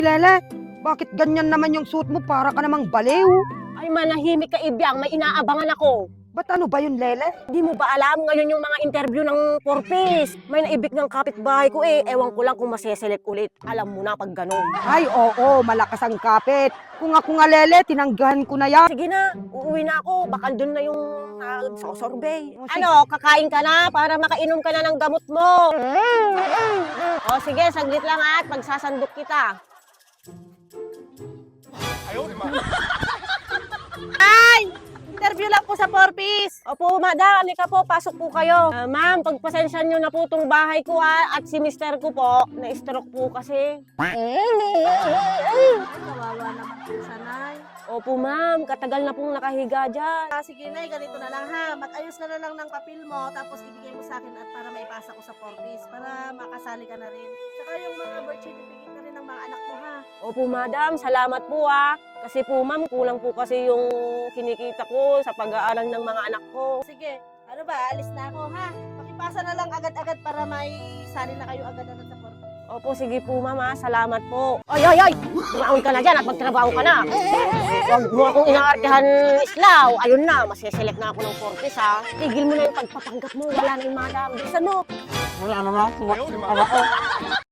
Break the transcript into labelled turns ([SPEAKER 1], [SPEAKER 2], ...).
[SPEAKER 1] Lele, bakit ganyan naman yung suit mo? Para ka namang baliw.
[SPEAKER 2] Ay, manahimik ka, Ibyang. May inaabangan ako.
[SPEAKER 1] Ba't ano ba yun, Lele?
[SPEAKER 2] Di mo ba alam ngayon yung mga interview ng Porpis? May naibig ng kapitbahay ko eh. Ewan ko lang kung maseselect ulit. Alam mo na pag ganun.
[SPEAKER 1] Ay, oo, malakas ang kapit. Kung ako nga, Lele, tinanggahan ko na yan.
[SPEAKER 2] Sige na, uuwi na ako. Baka doon na yung sorbet.
[SPEAKER 1] O, sige.
[SPEAKER 2] Ano, kakain ka na para makainom ka na ng gamot mo. O sige, saglit lang at magsasandok kita. Ay! Interview lang po sa Porpis. Opo, madam. Halika po. Pasok po kayo. Ma'am, pagpasensya nyo na po itong bahay ko at si mister ko po, na-stroke po kasi.
[SPEAKER 3] Kawawa naman po sanay.
[SPEAKER 2] Opo, ma'am. Katagal na pong nakahiga dyan.
[SPEAKER 3] Sige nay, ganito na lang ha. Mag-ayos ka na lang ng papel mo, tapos ibigay mo sa akin at para maipasa ko sa Forbes, para makasali ka na rin. Saka yung mga birth certificate na rin ng mga anak mo ha.
[SPEAKER 2] Opo, madam. Salamat po Kasi po, ma'am, kulang po kasi yung kinikita ko sa pag-aaral ng mga anak ko.
[SPEAKER 3] Sige, ano ba, alis na ako ha. Pakipasa na lang agad-agad para may sali na kayo agad-agad sa Forbes.
[SPEAKER 2] Opo, sige po, ma'am. Salamat po. Ay, ay, ay! Tumaon ka na dyan at magtrabaho ka na. Huwag mo akong inaartihan, Islaw. Ayun na, masiselect na ako ng Forbes, Tigil mo na yung pagpapanggap mo. Wala na yung madam. Bilisan mo.
[SPEAKER 1] Wala naman ako.